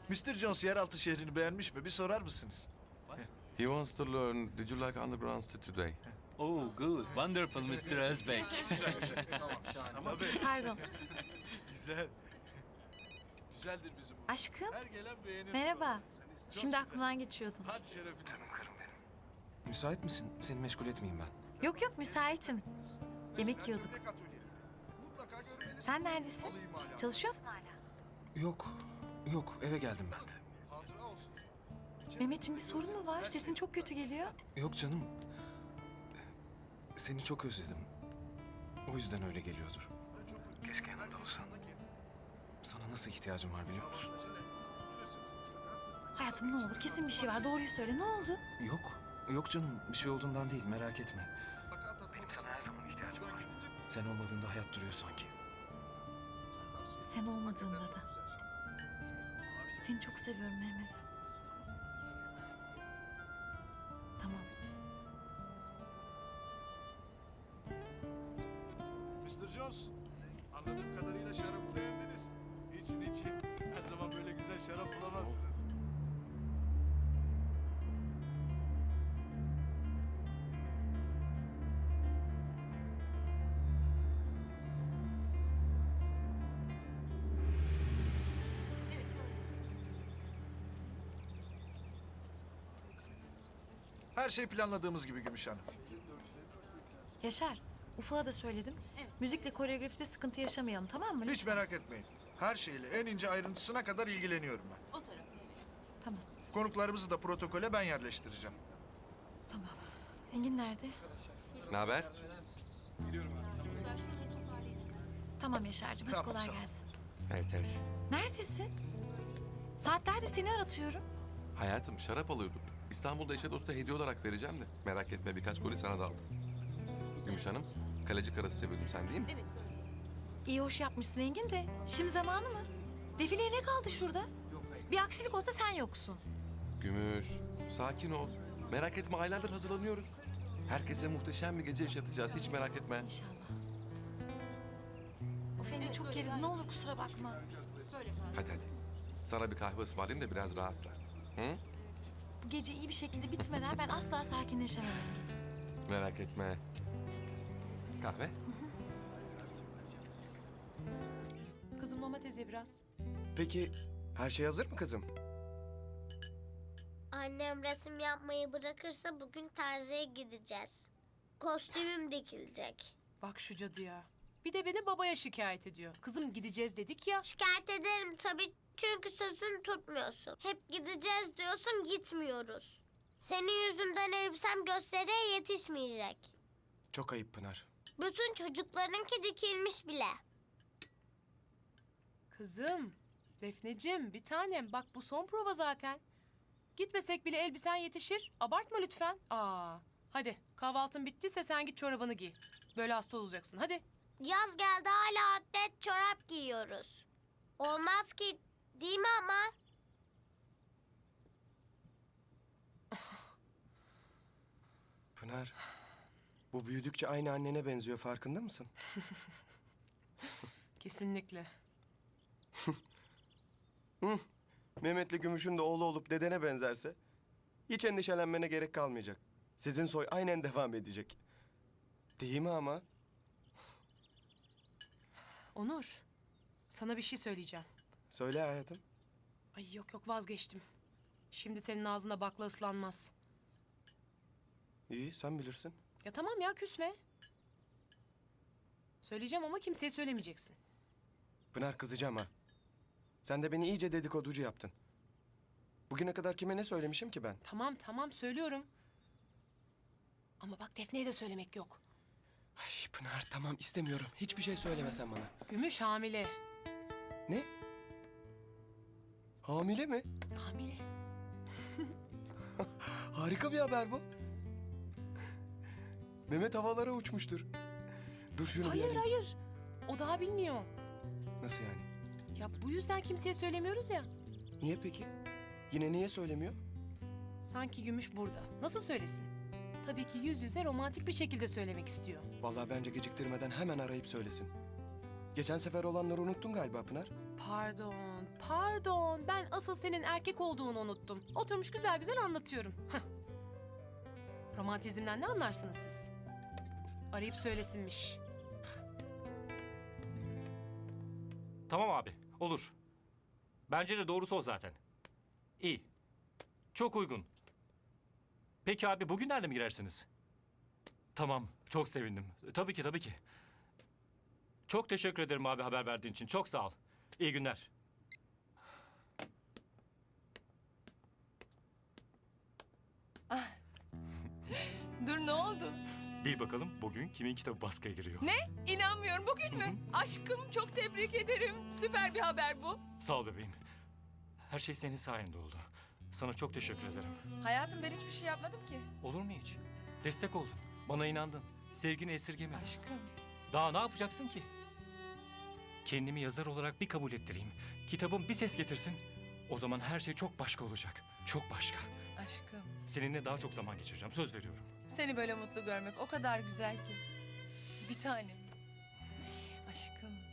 Mr. Jones yeraltı şehrini beğenmiş mi? Bir sorar mısınız? He wants to learn. Did you like underground today? Oh, good. Wonderful, Mr. Özbek. Tabii. Pardon. Güzel. Güzeldir bizim bu. Aşkım. Her gelen beğenir. Merhaba. Çok Şimdi güzel. aklımdan geçiyordum. Hadi şerefinize. Müsait misin? Seni meşgul etmeyeyim ben. Yok yok müsaitim. Yemek yiyorduk. Sen neredesin? Çalışıyor musun hala? Yok eve geldim ben. Mehmetciğim bir sorun mu var? Sesin çok kötü geliyor. Yok canım. Seni çok özledim. O yüzden öyle geliyordur. Keşke yanımda olsan. Sana nasıl ihtiyacım var biliyor musun? Hayatım ne olur kesin bir şey var. Doğruyu söyle. Ne oldu? Yok canım. Bir şey olduğundan değil. Merak etme. Benim sana her zaman ihtiyacım var. Sen olmadığında hayat duruyor sanki. Sen olmadığında da. Seni çok seviyorum Mehmet. Tamam. Mr. Jones, anladığım kadarıyla şarabı beğendiniz. İçin. Her zaman böyle güzel şarap bulamazsınız. Her şey planladığımız gibi Gümüş Hanım. Yaşar. Ufuk'a da söyledim. Müzikle koreografide sıkıntı yaşamayalım tamam mı? Hiç merak etmeyin. Her şeyle en ince ayrıntısına kadar ilgileniyorum ben. Tamam. Konuklarımızı da protokole ben yerleştireceğim. Tamam. Engin nerede? Ne haber? Tamam Yaşar'cığım hadi Tamam, kolay sağ ol. gelsin. Evet. Neredesin? Saatlerdir seni aratıyorum. Hayatım şarap alıyorduk. İstanbul'da eşe dosta hediye olarak vereceğim de. Merak etme birkaç golü sana da aldım. Gümüş Hanım, kaleci karası seviyordun sen değil mi? Evet. İyi hoş yapmışsın Engin de. Şimdi zamanı mı? Defileye ne kaldı şurada? Bir aksilik olsa sen yoksun. Gümüş, sakin ol. Merak etme aylardır hazırlanıyoruz. Herkese muhteşem bir gece yaşatacağız. Hiç merak etme. İnşallah. Of Engin çok gerildim. Ne olur kusura bakma. Hadi. Sana bir kahve ısmarlayayım da biraz rahatla. Hı? Bu gece iyi bir şekilde bitmeden ben asla sakinleşemem Engin. Merak etme. Kahve? Kızım domates ye biraz. Peki her şey hazır mı kızım? Annem resim yapmayı bırakırsa bugün terziye gideceğiz. Kostümüm dikilecek. Bak şu cadıya. Bir de beni babaya şikayet ediyor. Kızım gideceğiz dedik ya. Şikayet ederim tabii çünkü sözünü tutmuyorsun. Hep gideceğiz diyorsun gitmiyoruz. Senin yüzünden elbisem gösteriye yetişmeyecek. Çok ayıp Pınar. Bütün çocuklarınki dikilmiş bile. Kızım, Defneciğim bir tanem bak bu son prova zaten. Gitmesek bile elbisen yetişir. Abartma lütfen. Hadi kahvaltın bittiyse sen git çorabını giy. Böyle hasta olacaksın hadi. Yaz geldi hala atlet çorap giyiyoruz. Olmaz ki değil mi ama? Pınar, bu büyüdükçe aynı annene benziyor farkında mısın? Kesinlikle. Mehmet'le Gümüş'ün de oğlu olup dedene benzerse hiç endişelenmene gerek kalmayacak. Sizin soy aynen devam edecek. Değil mi ama? Onur, sana bir şey söyleyeceğim. Söyle hayatım. Ay yok vazgeçtim. Şimdi senin ağzına bakla ıslanmaz. İyi sen bilirsin. Ya tamam ya küsme. Söyleyeceğim ama kimseye söylemeyeceksin. Pınar kızacağım ha. Sen de beni iyice dedikoducu yaptın. Bugüne kadar kime ne söylemişim ki ben? Tamam söylüyorum. Ama bak Defne'ye de söylemek yok. Ay Pınar tamam istemiyorum. Hiçbir şey söylemesen bana. Gümüş hamile. Ne? Hamile mi? Hamile. Harika bir haber bu. Mehmet havalara uçmuştur. Dur şunu bir Hayır arayayım. hayır. O daha bilmiyor. Nasıl yani? Ya bu yüzden kimseye söylemiyoruz ya. Niye peki? Yine niye söylemiyor? Sanki Gümüş burada. Nasıl söylesin? Tabii ki yüz yüze romantik bir şekilde söylemek istiyor. Vallahi bence geciktirmeden hemen arayıp söylesin. Geçen sefer olanları unuttun galiba Pınar. pardon. Ben asıl senin erkek olduğunu unuttum. Oturmuş güzel güzel anlatıyorum. Heh. Romantizmden ne anlarsınız siz? Arayıp söylesinmiş. Tamam abi, olur. Bence de doğrusu o zaten. İyi. Çok uygun. Peki abi bugünlerde mi girersiniz? Tamam, çok sevindim. Tabii ki, tabii ki. Çok teşekkür ederim abi haber verdiğin için. Çok sağ ol. İyi günler. Dur ne oldu? Bil bakalım bugün kimin kitabı baskıya giriyor? Ne? İnanmıyorum bugün mü? Aşkım çok tebrik ederim. Süper bir haber bu. Sağ ol bebeğim. Her şey senin sayende oldu. Sana çok teşekkür ederim. Hayatım ben hiçbir şey yapmadım ki. Olur mu hiç? Destek oldun. Bana inandın. Sevgini esirgemedin. Aşkım. Daha ne yapacaksın ki? Kendimi yazar olarak bir kabul ettireyim. Kitabım bir ses getirsin. O zaman her şey çok başka olacak. Çok başka. Aşkım. Seninle daha çok zaman geçireceğim. Söz veriyorum. Seni böyle mutlu görmek o kadar güzel ki. Bir tanem. Aşkım.